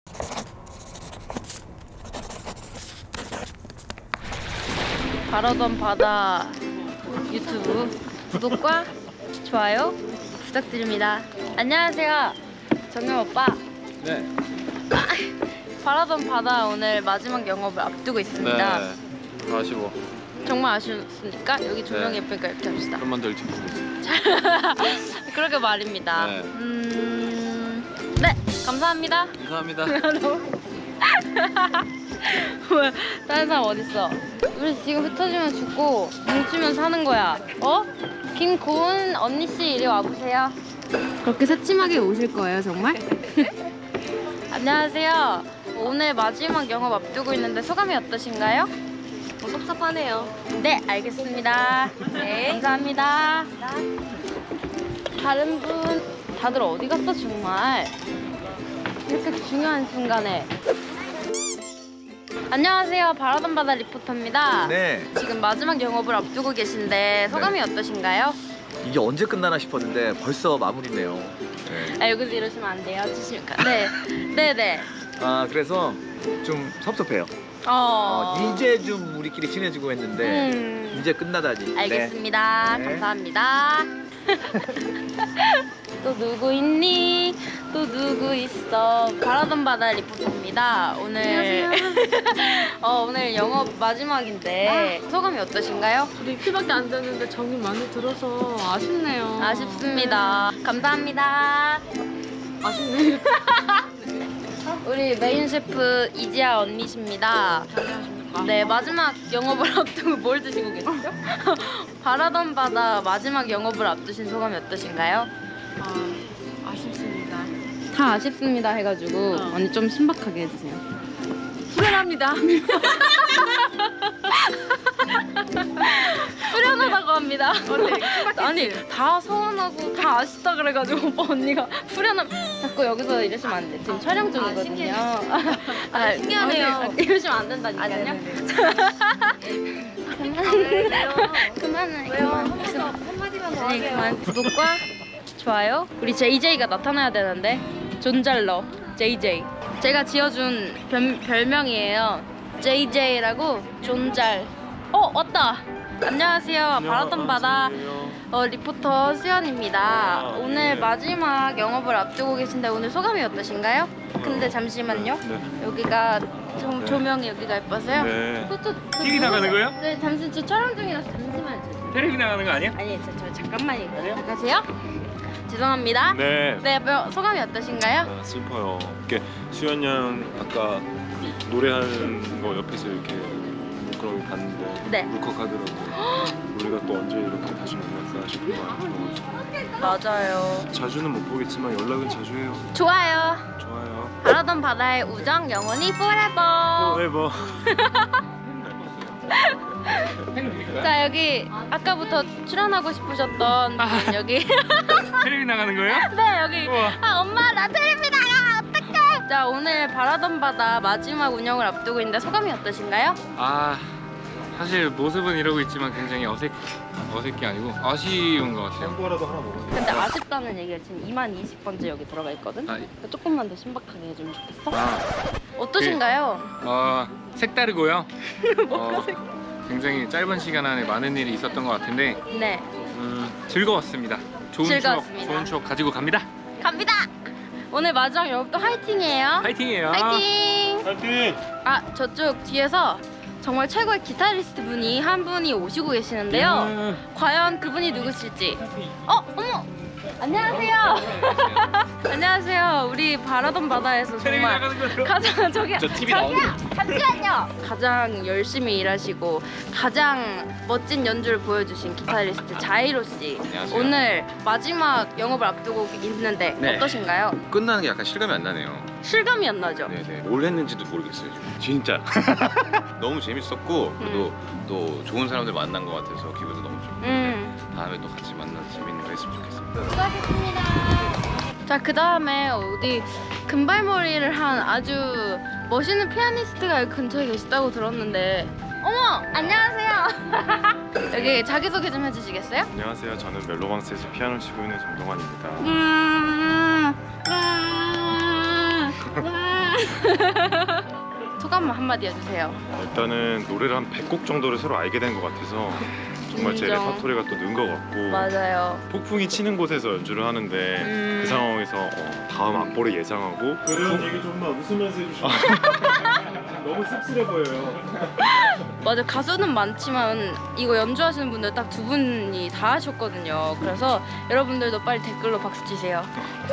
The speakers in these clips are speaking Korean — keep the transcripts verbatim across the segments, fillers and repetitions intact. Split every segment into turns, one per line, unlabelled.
바라던 바다 유튜브 구독과 좋아요 부탁드립니다. 안녕하세요, 정영 오빠.
네.
바라던 바다 오늘 마지막 영업을 앞두고 있습니다.
네. 아쉬워.
정말 아쉬웠으니까 여기 조명이
네.
예쁘니까 이렇게 합시다.
좀만 덜 지키고 있어.
그러게 말입니다.
네.
음... 네, 감사합니다.
감사합니다.
왜? 다른 사람 어딨어? 우리 지금 흩어지면 죽고 뭉치면 사는 거야. 어? 김고은 언니씨 이리 와보세요. 그렇게 새침하게 오실 거예요, 정말? 안녕하세요. 오늘 마지막 영업 앞두고 있는데 소감이 어떠신가요?
어, 섭섭하네요.
네, 알겠습니다.
네.
감사합니다. 다른 분 다들 어디 갔어, 정말? 이렇게 중요한 순간에. 안녕하세요, 바라던 바다 리포터입니다.
네,
지금 마지막 영업을 앞두고 계신데 소감이
네.
어떠신가요?
이게 언제 끝나나 싶었는데 벌써 마무리네요. 네.
아, 여기서 이러시면 안 돼요. 주시면 가. 네, 네, 네.
아 그래서 좀 섭섭해요.
어,
어, 이제 좀 우리끼리 친해지고 했는데
음,
이제 끝나다니.
알겠습니다.
네.
감사합니다. 또 누구 있니? 또 누구 있어? 바라던 바다 리포터입니다. 오늘 어, 오늘 영업 마지막인데 소감이 어떠신가요?
우리 이틀밖에 안 됐는데 정이 많이 들어서 아쉽네요.
아쉽습니다. 감사합니다.
아쉽네요.
우리 메인 셰프 이지아 언니십니다.
잘하십니까?
네, 마지막 영업을 앞두고 뭘 드시고 계시죠? 바라던 바다 마지막 영업을 앞두신 소감이 어떠신가요?
아, 아쉽습니다.
다 아쉽습니다 해가지고
어.
언니 좀 신박하게 해주세요.
후련합니다.
후련하다고 합니다.
원래
아니, 다 서운하고 다 아쉽다 그래가지고 오빠 언니가 후련함 자꾸 여기서 이러시면 안 돼. 지금 촬영 중이거든요.
신기해.
아,
신기하네요.
아, 이러시면 안 된다니까요.
왜요?
그만해.
왜요?
그만.
한번더 한마디만 더
아니,
하세요.
그만. 구독과 좋아요. 우리 제이제이가 나타나야 되는데 존잘러 제이제이. 제가 지어준 별, 별명이에요. 제이제이라고 존잘. 어, 왔다. 안녕하세요. 바라던 바다 어, 리포터 수연입니다.
아,
오늘
네.
마지막 영업을 앞두고 계신데 오늘 소감이 어떠신가요? 근데 잠시만요.
네.
여기가 조,
네.
조명이 여기가 예뻐서요.
네.
저, 저, 저
티비
누구-
나가는 거예요?
네, 잠시 저 촬영 중이라서 잠시만요.
텔레비 나가는 거 아니야?
아니, 저, 저 잠깐만요. 가세요. 죄송합니다.
네.
네, 뭐, 소감이 어떠신가요?
아, 슬퍼요. 이렇게 수연 양 아까 노래하는 거 옆에서 이렇게 그런 거 봤는데
네.
울컥하더라고요. 우리가 또 언제 이렇게 다시 만날까 싶은 마음이 들어가지고
맞아요.
자주는 못 보겠지만 연락은 자주 해요.
좋아요.
좋아요.
바라던 바다의 우정 영원히 forever.
포에버.
자, 여기 아까부터 출연하고 싶으셨던 분 여기.
텔레비 나가는 거예요?
네, 여기.
우와.
아, 엄마 나 텔레비 나가. 어떡해. 자, 오늘 바라던 바다 마지막 운영을 앞두고 있는데 소감이 어떠신가요?
아, 사실 모습은 이러고 있지만 굉장히 어색 어색이 아니고 아쉬운 것 같아요.
햄버거라도 하나 먹어요.
근데 아쉽다는 얘기가 지금 이만 이십 번째 여기 들어가 있거든?
아,
그러니까 조금만 더 신박하게 해주면 좋겠어?
아,
어떠신가요?
어, 색다르고요. 어, 굉장히 짧은 시간 안에 많은 일이 있었던 것 같은데
네,
음, 즐거웠습니다. 좋은
즐거웠습니다.
추억, 좋은 추억 가지고 갑니다.
갑니다! 오늘 마지막 영업도 화이팅이에요.
파이팅이에요.
화이팅!
파이팅!
아, 저쪽 뒤에서 정말 최고의 기타리스트 분이 한 분이 오시고 계시는데요.
음.
과연 그분이 누구실지. 어, 어머! 안녕하세요. 안녕하세요. 우리 바라던 바다에서
텔레비
정말
나가는 거죠?
가장 저기
저 티비
저기요 잠시만요. 가장 열심히 일하시고 가장 멋진 연주를 보여주신 기타리스트 자이로 씨.
안녕하세요.
오늘 마지막 영업을 앞두고 있는데
네.
어떠신가요?
끝나는 게 약간 실감이 안 나네요.
실감이 안 나죠?
네네. 뭘 했는지도 모르겠어요. 지금. 진짜. 너무 재밌었고 그래도 또 좋은 사람들 만난 것 같아서 기분도 너무 좋고
음.
다음에 또 같이 만나서 재밌는 거 했으면 좋겠습니다.
수고하셨습니다. 자, 그 다음에 어디 금발머리를 한 아주 멋있는 피아니스트가 여기 근처에 계시다고 들었는데 어머! 안녕하세요. 여기 자기소개 좀 해주시겠어요?
안녕하세요. 저는 멜로망스에서 피아노 치고 있는 정동환입니다.
음, 와, 와. 소감 한마디 해주세요.
일단은 노래를 한 백 곡 정도를 서로 알게 된 것 같아서 정말 제
인정.
레퍼토리가 또 는 것 같고
맞아요.
폭풍이 치는 곳에서 연주를 하는데
음.
그 상황에서 어, 다음 악보를 예상하고 그런 얘기 좀만 웃으면서 해주시면 너무 씁쓸해 보여요.
맞아, 가수는 많지만 이거 연주하시는 분들 딱 두 분이 다 하셨거든요. 그래서 여러분들도 빨리 댓글로 박수 치세요.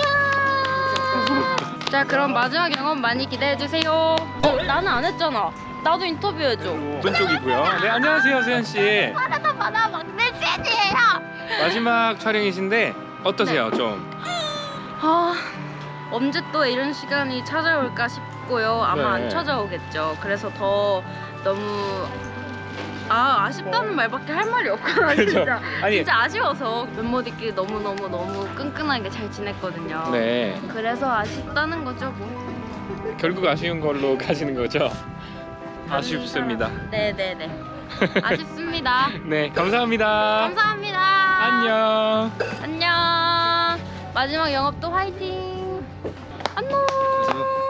자, 그럼 마지막 영업 많이 기대해 주세요. 어, 나는 안 했잖아. 나도 인터뷰해 줘.
오른쪽이고요. 네, 안녕하세요, 수현 씨.
바나나 바나 막내 팬이에요.
마지막 촬영이신데 어떠세요, 좀?
아, 언제 또 이런 시간이 찾아올까 싶고요. 아마
네.
안 찾아오겠죠. 그래서 더 너무 아 아쉽다는 말밖에 할 말이 없구나.
그죠?
진짜
아니,
진짜 아쉬워서 멤버들끼리 너무 너무 너무 끈끈하게 잘 지냈거든요.
네,
그래서 아쉽다는 거죠, 뭐.
결국 아쉬운 걸로 가시는 거죠? 아쉽습니다.
네네네. 아쉽습니다.
네, 감사합니다.
감사합니다.
안녕.
안녕. 마지막 영업도 화이팅. 안녕.